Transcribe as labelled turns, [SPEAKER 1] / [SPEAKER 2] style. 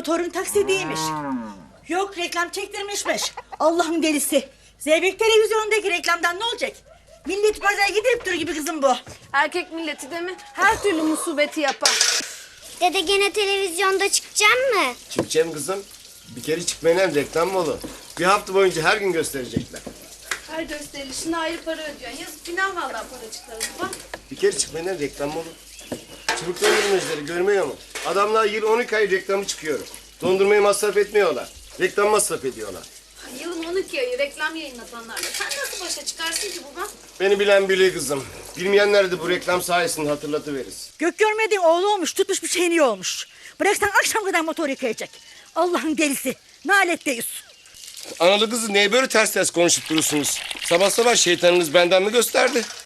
[SPEAKER 1] motorun taksidiymiş. Yok reklam çektirmişmiş. Allah'ın delisi. Zeybek televizyonundaki reklamdan ne olacak? Millet pazara gidip dur gibi kızım bu.
[SPEAKER 2] Erkek milleti de mi? Her türlü musibeti yapar.
[SPEAKER 3] Dede gene televizyonda çıkacaksın mı?
[SPEAKER 4] Çıkacağım kızım. Bir kere çıkmayan reklam mı olur? Bir hafta boyunca her gün gösterecekler.
[SPEAKER 2] Her gösterilişine ayrı para ödüyorsun. Yazık günah vallahi paracıkları baba.
[SPEAKER 4] Bir kere çıkmayan reklam mı olur? Çubuk dondurmacıları görmüyor mu? Adamlar yıl 12 ay reklamı çıkıyor. Dondurmayı masraf etmiyorlar. Reklam masraf ediyorlar.
[SPEAKER 2] Yılın 12 ayı reklam yayınlatanlarla. Sen nasıl başa çıkarsın ki baba?
[SPEAKER 4] Beni bilen biliyor kızım. Bilmeyenler de bu reklam sayesinde hatırlatıveririz.
[SPEAKER 1] Gök görmediğin oğlu olmuş, tutmuş bir şeyini olmuş. Bıraksan akşam kadar motor yıkayacak. Allah'ın delisi. Naletteyiz.
[SPEAKER 4] Analı kızı niye böyle ters ters konuşup durursunuz? Sabah sabah şeytanınız benden mi gösterdi?